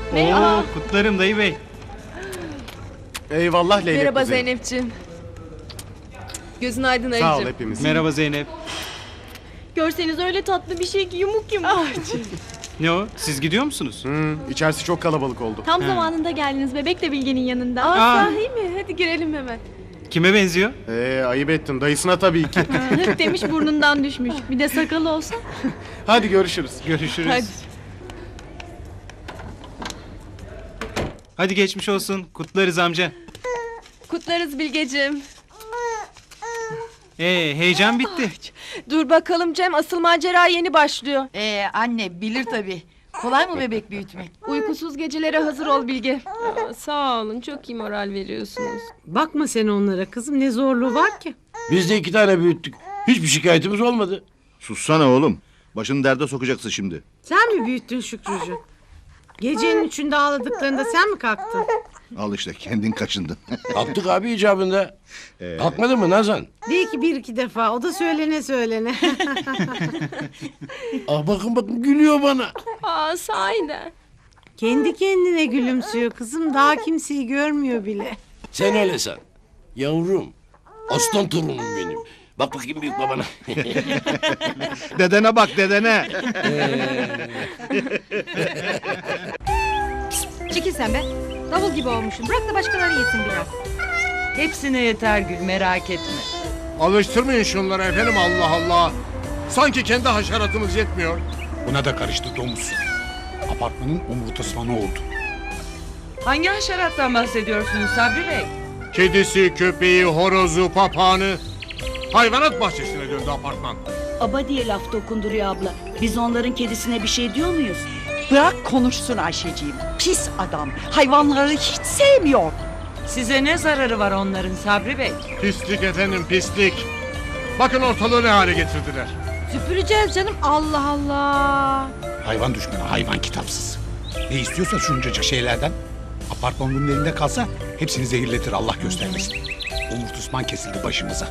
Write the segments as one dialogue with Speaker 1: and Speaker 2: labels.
Speaker 1: Oo, kutlarım dayı bey.
Speaker 2: Eyvallah Leylek
Speaker 3: Merhaba
Speaker 2: kuzey.
Speaker 3: Zeynep'ciğim. Gözün aydın
Speaker 2: Sağ ol
Speaker 3: ayıcım.
Speaker 2: hepimiz.
Speaker 1: Merhaba Zeynep.
Speaker 3: Görseniz öyle tatlı bir şey ki yumuk yumuk.
Speaker 1: Ne o? Siz gidiyor musunuz?
Speaker 2: İçerisi çok kalabalık oldu.
Speaker 3: Tam zamanında geldiniz, bebek de Bilge'nin yanında.
Speaker 1: Aa.
Speaker 3: Sahi mi? Hadi girelim hemen.
Speaker 1: Kime benziyor?
Speaker 2: Ayıp ettin. Dayısına tabii ki.
Speaker 3: Hık demiş burnundan düşmüş. Bir de sakalı olsa.
Speaker 2: Hadi görüşürüz.
Speaker 1: Görüşürüz.
Speaker 3: Hadi.
Speaker 1: Hadi geçmiş olsun. Kutlarız amca.
Speaker 3: Kutlarız Bilgeciğim.
Speaker 1: Heyecan bitti.
Speaker 3: Dur bakalım Cem, asıl macera yeni başlıyor.
Speaker 4: Anne bilir tabii. Kolay mı bebek büyütmek?
Speaker 3: Uykusuz gecelere hazır ol Bilge. Sağ olun, çok iyi moral veriyorsunuz.
Speaker 5: Bakma sen onlara kızım, ne zorluğu var ki?
Speaker 6: Biz de 2 tane büyüttük. Hiçbir şikayetimiz olmadı.
Speaker 7: Sussana oğlum. Başını derde sokacaksın şimdi.
Speaker 5: Sen mi büyüttün Şükrücü? Gecenin 3'ünde ağladıklarında sen mi kalktın?
Speaker 7: Al işte kendin kaçındın.
Speaker 6: Kalktık abi icabında. Kalkmadın mı Nazan?
Speaker 5: Değil ki bir iki defa, o da söylene söylene.
Speaker 6: Bakın gülüyor bana.
Speaker 3: Sahiden.
Speaker 5: Kendi kendine gülümsüyor kızım, daha kimseyi görmüyor bile.
Speaker 6: Sen öyle san. Yavrum. Aslan torunum benim. Bak bakayım büyük babana.
Speaker 7: Dedene bak dedene.
Speaker 8: Çekil sen be. Davul gibi olmuşsun. Bırak da başkaları yesin biraz.
Speaker 4: Hepsine yeter Gül, merak etme.
Speaker 2: Alıştırmayın şunları efendim, Allah Allah. Sanki kendi haşeratımız yetmiyor.
Speaker 9: Buna da karıştı domuz. Apartmanın omurtasmanı oldu.
Speaker 4: Hangi haşerattan bahsediyorsunuz Sabri Bey?
Speaker 2: Kedisi, köpeği, horozu, papağanı. Hayvanat bahçesine döndü apartman.
Speaker 10: Aba diye laf dokunduruyor abla. Biz onların kedisine bir şey diyor muyuz?
Speaker 4: Bırak konuşsun Ayşeciğim. Pis adam. Hayvanları hiç sevmiyor. Size ne zararı var onların Sabri Bey?
Speaker 2: Pislik efendim, pislik. Bakın ortalığı ne hale getirdiler.
Speaker 8: Süpüreceğiz canım. Allah Allah.
Speaker 9: Hayvan düşmanı, hayvan kitapsız. Ne istiyorsa şuncacık şeylerden. Apartman bunun elinde kalsa hepsini zehirletir, Allah göstermesin. Omurtusman kesildi başımıza.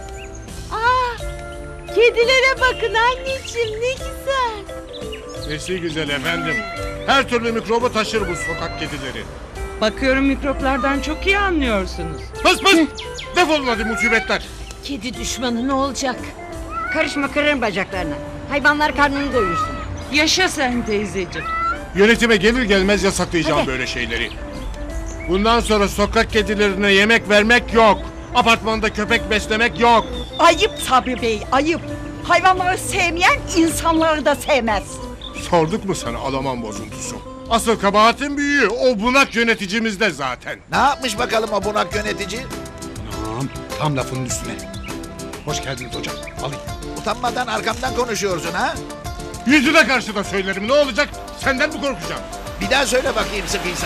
Speaker 5: Kedilere bakın anneciğim, ne güzel.
Speaker 2: Nesi güzel efendim. Her türlü mikrobu taşır bu sokak kedileri.
Speaker 4: Bakıyorum mikroplardan çok iyi anlıyorsunuz.
Speaker 2: Pıs pıs! Defolun hadi musibetler.
Speaker 5: Kedi düşmanı ne olacak?
Speaker 8: Karışma, kırarım bacaklarını. Hayvanlar karnını doyursun.
Speaker 4: Yaşa sen teyzeciğim.
Speaker 2: Yönetime gelir gelmez yasaklayacağım böyle şeyleri. Bundan sonra sokak kedilerine yemek vermek yok. Apartmanda köpek beslemek yok.
Speaker 4: Ayıp Sabri Bey, ayıp. Hayvanları sevmeyen insanları da sevmez.
Speaker 2: Sorduk mu sana Alaman bozuntusu? Asıl kabahatin büyüğü o bunak yöneticimizde zaten.
Speaker 7: Ne yapmış bakalım o bunak yönetici?
Speaker 9: Anam, tam lafının üstüne. Hoş geldiniz hocam, alayım.
Speaker 7: Utanmadan arkamdan konuşuyorsun ha?
Speaker 2: Yüzüne karşı da söylerim, ne olacak? Senden mi korkacağım?
Speaker 7: Bir daha söyle bakayım sıkıysa.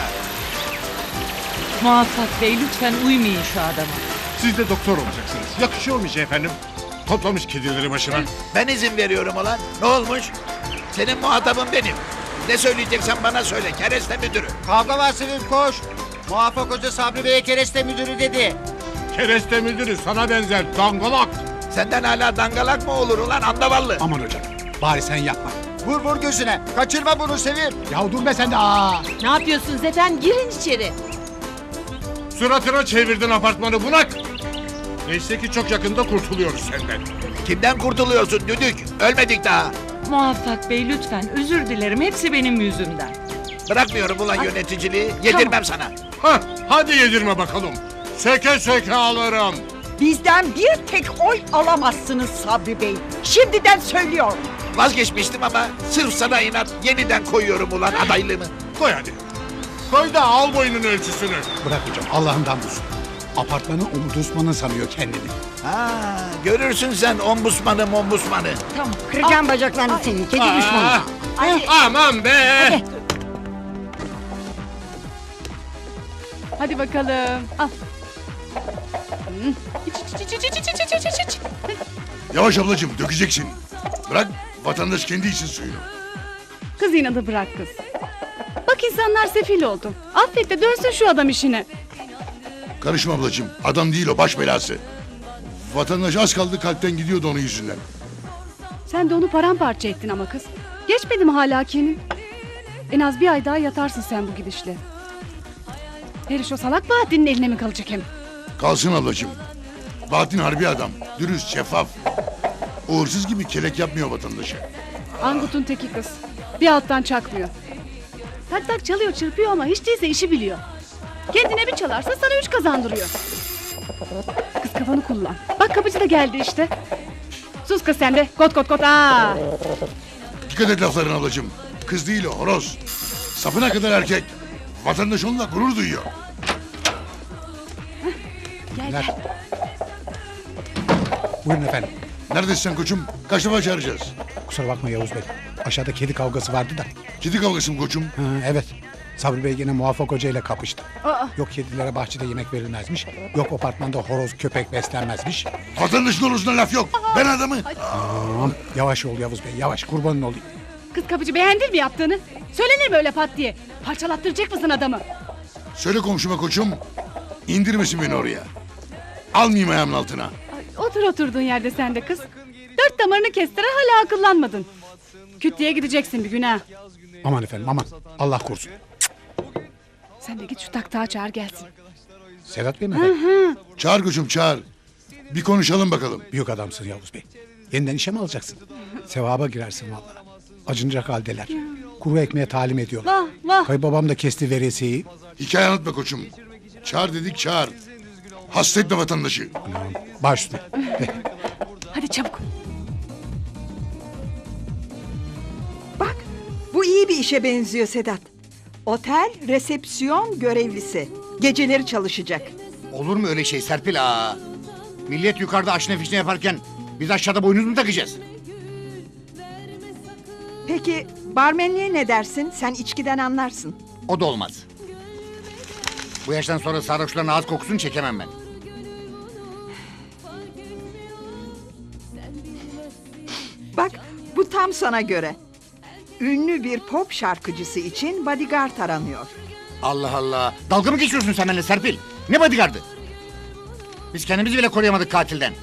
Speaker 4: Muvaffak Bey lütfen uymayın şu adama.
Speaker 2: Siz de doktor olacaksınız. Yakışıyor mu efendim? Toplamış kedileri başına.
Speaker 7: Ben izin veriyorum ulan. Ne olmuş? Senin muhatabın benim. Ne söyleyeceksen bana söyle. Kereste müdürü.
Speaker 6: Kavga var Sevim koş. Muvaffak Hoca Sabri Bey'e kereste müdürü dedi.
Speaker 2: Kereste müdürü sana benzer dangalak.
Speaker 7: Senden hala dangalak mı olur ulan andavallı?
Speaker 9: Aman hocam, bari sen yapma.
Speaker 6: Vur gözüne. Kaçırma bunu Sevim.
Speaker 9: Ya dur be sen de, aa!
Speaker 5: Ne yapıyorsunuz efendim? Girin içeri.
Speaker 2: Suratına çevirdin apartmanı bunak. Neyse ki çok yakında kurtuluyoruz senden.
Speaker 7: Kimden kurtuluyorsun düdük? Ölmedik daha.
Speaker 4: Muvaffak Bey lütfen özür dilerim hepsi benim yüzümden.
Speaker 7: Bırakmıyorum ulan yöneticiliği. Yedirmem sana.
Speaker 2: Hah, hadi yedirme bakalım. Söke söke alırım.
Speaker 4: Bizden bir tek oy alamazsınız Sabri Bey. Şimdiden söylüyorum.
Speaker 7: Vazgeçmiştim ama sırf sana inat yeniden koyuyorum ulan adaylığımı.
Speaker 2: Koy hadi. Koy da al boyunun ölçüsünü.
Speaker 9: Bırak hocam, Allah'ından bulsun. Apartmanın omurtusmanı sanıyor kendini.
Speaker 7: Ha, görürsün sen ombusmanı.
Speaker 8: Tamam. Kıracağım bacaklarını senin. Kedi düşmanı.
Speaker 2: Aman be.
Speaker 3: Hadi bakalım. Al.
Speaker 9: Yavaş ablacığım, dökeceksin. Bırak, vatandaş kendi için suyunu.
Speaker 3: Kız inadı bırak kız. Bak insanlar sefil oldu. Affet de dönsün şu adam işine.
Speaker 9: Karışma ablacığım, adam değil o, baş belası. Vatandaş az kaldı kalpten gidiyordu onun yüzünden.
Speaker 3: Sen de onu paramparça ettin ama kız. Geçmedi mi hala Kenin? En az bir ay daha yatarsın sen bu gidişle. Heriş o salak Bahattin'in eline mi kalacak hem?
Speaker 11: Kalsın ablacığım. Bahattin harbi adam. Dürüst, şeffaf. Uğursuz gibi kelek yapmıyor vatandaşa.
Speaker 3: Angut'un teki kız. Bir alttan çakmıyor. Tak tak çalıyor çırpıyor ama hiç değilse işi biliyor. Kendine bir çalarsa sana 3 kazandırıyor. Kız kafanı kullan. Bak kapıcı da geldi işte. Sus kız sen de. Kot kot kot. Aa.
Speaker 11: Dikkat et laflarına ablacığım. Kız değil o, horoz. Sapına kadar erkek. Vatandaş onunla gurur duyuyor.
Speaker 3: Gel
Speaker 9: Günler.
Speaker 3: gel.
Speaker 9: Buyurun efendim.
Speaker 11: Neredesin sen koçum? Kaç defa çağıracağız?
Speaker 9: Kusura bakma Yavuz Bey. Aşağıda kedi kavgası vardı da.
Speaker 11: Kedi kavgası mı koçum?
Speaker 9: Ha, evet. Sabri Bey yine Muvaffak Hoca ile kapıştı.
Speaker 3: Aa.
Speaker 9: Yok kedilere bahçede yemek verilmezmiş. Yok apartmanda horoz köpek beslenmezmiş.
Speaker 11: Vatandaşın horozuna laf yok. Ben adamı.
Speaker 9: Tamam. Yavaş ol Yavuz Bey yavaş kurbanın olayım.
Speaker 3: Kız kapıcı beğendin mi yaptığını? Söylenir mi öyle pat diye? Parçalattıracak mısın adamı?
Speaker 11: Söyle komşuma koçum. İndirmesin beni oraya. Almayayım ayağımın altına.
Speaker 3: Ay, otur oturduğun yerde sen de kız. 4 damarını kestiren hala akıllanmadın. Küt diye gideceksin bir gün ha.
Speaker 9: Aman efendim aman. Allah korusun.
Speaker 3: Sen de git şu taktağı çağır gelsin.
Speaker 9: Sedat Bey mi efendim?
Speaker 11: Çağır koçum çağır. Bir konuşalım bakalım.
Speaker 9: Büyük adamsın Yavuz Bey. Yeniden işe mi alacaksın? Sevaba girersin vallahi. Acınacak haldeler. Kuru ekmeğe talim ediyorlar.
Speaker 3: Vah vah.
Speaker 9: Kayınbabam da kesti veresiyeyi.
Speaker 11: Hikaye anlatma koçum. Çağır dedik çağır. Hasta etme vatandaşı.
Speaker 9: Baş üstüne.
Speaker 3: Hadi çabuk.
Speaker 4: Bak bu iyi bir işe benziyor Sedat. Otel resepsiyon görevlisi. Geceleri çalışacak.
Speaker 12: Olur mu öyle şey Serpil aa? Millet yukarıda aşne fişne yaparken biz aşağıda boynuz mu takacağız?
Speaker 4: Peki barmenliğe ne dersin? Sen içkiden anlarsın.
Speaker 12: O da olmaz. Bu yaştan sonra sarhoşların ağız kokusunu çekemem ben.
Speaker 4: Bak bu tam sana göre. Ünlü bir pop şarkıcısı için bodyguard aranıyor.
Speaker 12: Allah Allah. Dalga mı geçiyorsun sen benimle Serpil? Ne bodyguardı? Biz kendimizi bile koruyamadık katilden.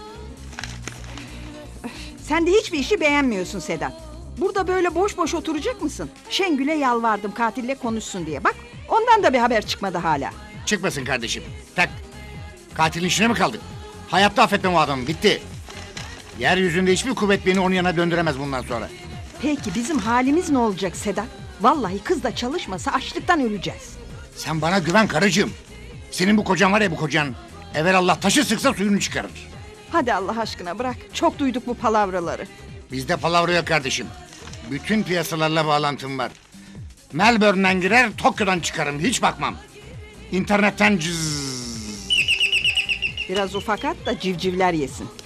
Speaker 4: Sen de hiçbir işi beğenmiyorsun Sedat. Burada böyle boş boş oturacak mısın? Şengül'e yalvardım katille konuşsun diye. Bak ondan da bir haber çıkmadı hala.
Speaker 12: Çıkmasın kardeşim. Tak. Katilin işine mi kaldık? Hayatta affetmem o adamı. Bitti. Yeryüzünde hiçbir kuvvet beni onun yanına döndüremez bundan sonra.
Speaker 4: Peki bizim halimiz ne olacak Sedat? Vallahi kız da çalışmasa açlıktan öleceğiz.
Speaker 12: Sen bana güven karıcığım. Senin bu kocan var ya bu kocan. Evelallah taşı sıksa suyunu çıkarır.
Speaker 4: Hadi Allah aşkına bırak. Çok duyduk bu palavraları.
Speaker 12: Bizde palavra yok kardeşim. Bütün piyasalarla bağlantım var. Melbourne'den girer, Tokyo'dan çıkarım. Hiç bakmam. İnternetten cız.
Speaker 4: Biraz ufak at da civcivler yesin.